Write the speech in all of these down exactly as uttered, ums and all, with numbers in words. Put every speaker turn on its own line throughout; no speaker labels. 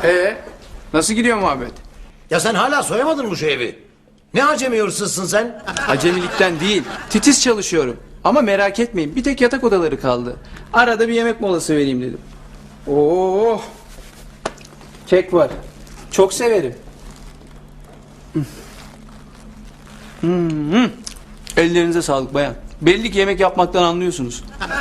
Ee, nasıl gidiyor muhabbet?
Ya sen hala soyamadın mı şu evi? Ne acemi hırsızsın sen?
Acemilikten değil, titiz çalışıyorum. Ama merak etmeyin, bir tek yatak odaları kaldı. Arada bir yemek molası vereyim dedim. Oo, kek var. Çok severim. Hmm. Ellerinize sağlık bayan. Belli ki yemek yapmaktan anlıyorsunuz.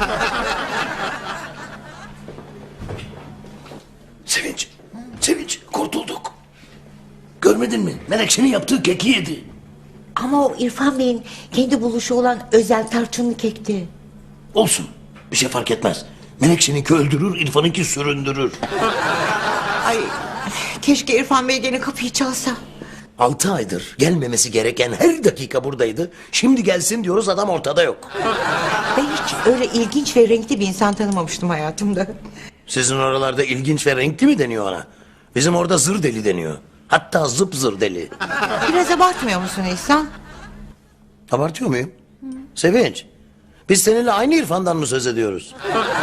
Sevinç, Sevinç kurtulduk. Görmedin mi? Menekşe'nin yaptığı keki yedi.
Ama o İrfan Bey'in kendi buluşu olan özel tarçınlı kekti.
Olsun, bir şey fark etmez. Menekşe'ninki öldürür, İrfan'ınki süründürür.
Ay, keşke İrfan Bey gene kapıyı çalsa.
Altı aydır gelmemesi gereken her dakika buradaydı. Şimdi gelsin diyoruz, adam ortada yok.
Ben hiç öyle ilginç ve renkli bir insan tanımamıştım hayatımda.
Sizin oralarda ilginç ve renkli mi deniyor ona? Bizim orada zır deli deniyor. Hatta zıp zır deli.
Biraz abartmıyor musun İhsan?
Abartıyor muyum? Sevinç, biz seninle aynı İrfan'dan mı söz ediyoruz?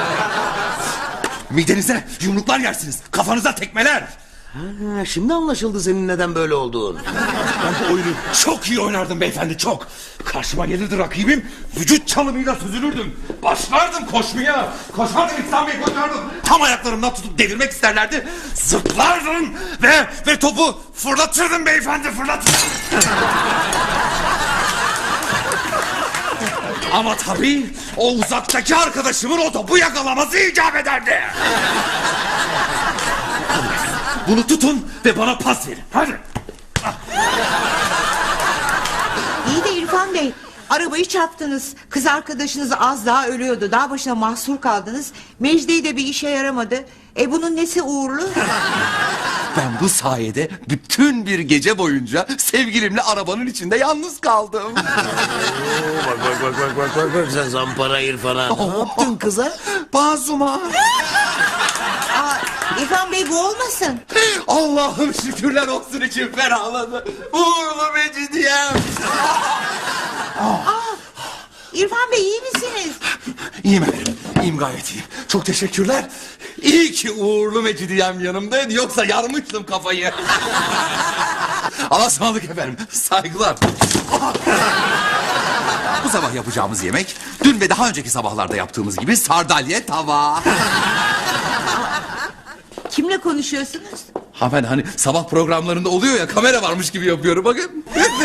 Midenize yumruklar yersiniz. Kafanıza tekmeler.
Ha, şimdi anlaşıldı senin neden böyle olduğun.
Ben bu oyunu çok iyi oynardım beyefendi, çok. Karşıma gelirdi rakibim, vücut çalımıyla süzülürdüm. Başlardım koşmaya. Koşardım, İhsan Bey koşardım. Tam ayaklarımdan tutup devirmek isterlerdi. Zıplardım ve ve topu fırlatırdım beyefendi, fırlatırdım. Ama tabii o uzaktaki arkadaşımın o topu yakalaması icap ederdi. Bunu tutun ve bana pas verin. Hadi.
İyi de İrfan Bey, arabayı çarptınız. Kız arkadaşınız az daha ölüyordu. Dağ başına mahsur kaldınız. Mecdi de bir işe yaramadı. E bunun nesi uğurlu?
Ben bu sayede bütün bir gece boyunca sevgilimle arabanın içinde yalnız kaldım.
Bak bak bak bak bak bak bak sen zampara İrfan'a. Ne yaptın kıza?
Bazuma.
Aa, İrfan Bey bu olmasın.
Allah'ım şükürler olsun, için ferahladı. Uğurlu Mecidiyem.
İrfan Bey iyi misiniz?
İyiyim efendim. İyiyim, gayet iyiyim. Çok teşekkürler. İyi ki uğurlu Mecidiyem yanımdaydı. Yoksa yarmıştım kafayı. Allah'a ısmarladık efendim. Saygılar. Bu sabah yapacağımız yemek dün ve daha önceki sabahlarda yaptığımız gibi sardalya tava.
Kimle konuşuyorsunuz?
Ha ben hani sabah programlarında oluyor ya, kamera varmış gibi yapıyorum bakın.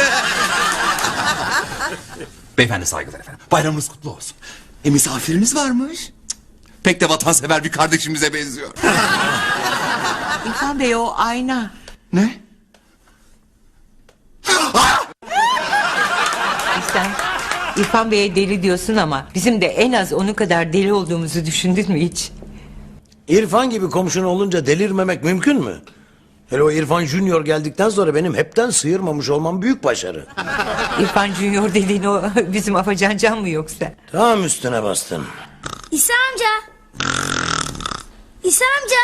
Beyefendi saygılar efendim. Bayramınız kutlu olsun. E misafiriniz varmış. Cık, pek de vatansever bir kardeşimize benziyor.
İrfan Bey o ayna.
Ne?
Sen İrfan Bey'e deli diyorsun ama bizim de en az onun kadar deli olduğumuzu düşündün mü hiç?
İrfan gibi komşun olunca delirmemek mümkün mü? Hele o İrfan Junior geldikten sonra benim hepten sıyırmamış olmam büyük başarı.
İrfan Junior dediğin o bizim Afacan Can mı yoksa?
Tam üstüne bastın.
İsa amca. İsa amca.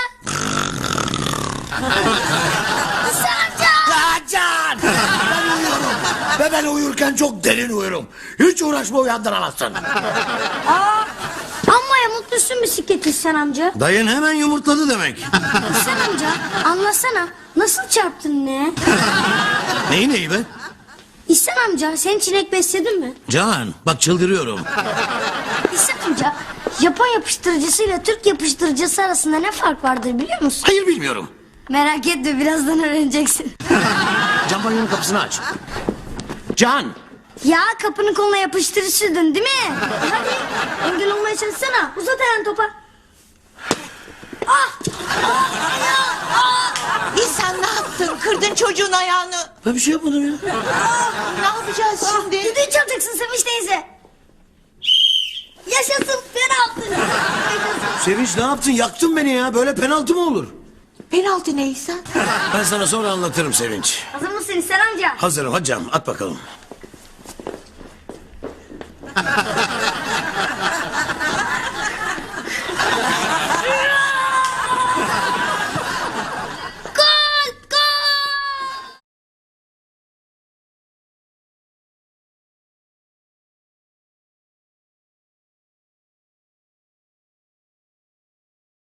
İsa amca.
Can! Ben uyuyorum. Ve ben uyurken çok derin uyurum. Hiç uğraşma, uyandıramazsın.
Aa, amma ya mutlusun bisiklet İhsan amca.
Dayın hemen yumurtladı demek.
İhsan amca anlasana. Nasıl çarptın ne?
Neyi neyi be?
İhsan amca sen çilek besledin mi?
Can bak çıldırıyorum.
İhsan amca Japon yapıştırıcısıyla Türk yapıştırıcısı arasında ne fark vardır biliyor musun?
Hayır bilmiyorum.
Merak etme birazdan öğreneceksin.
Can banyonun kapısını aç. Can!
Ya kapının koluna yapıştırıcıydın değil mi? Hadi engel olmaya çalışsana. Uzat ayağını topa. Ah!
İhsan ne yaptın? Kırdın çocuğun ayağını.
Ben bir şey yapmadım ya.
Ne yapacağız şimdi?
Düdüğü çalacaksın Sevinç teyze. Yaşasın penaltı. Yaşasın.
Sevinç ne yaptın? Yaktın beni ya. Böyle penaltı mı olur?
Penaltı ne İhsan?
Ben sana sonra anlatırım Sevinç.
Hazır mısın İhsan amca?
Hazırım, hadi canım at bakalım.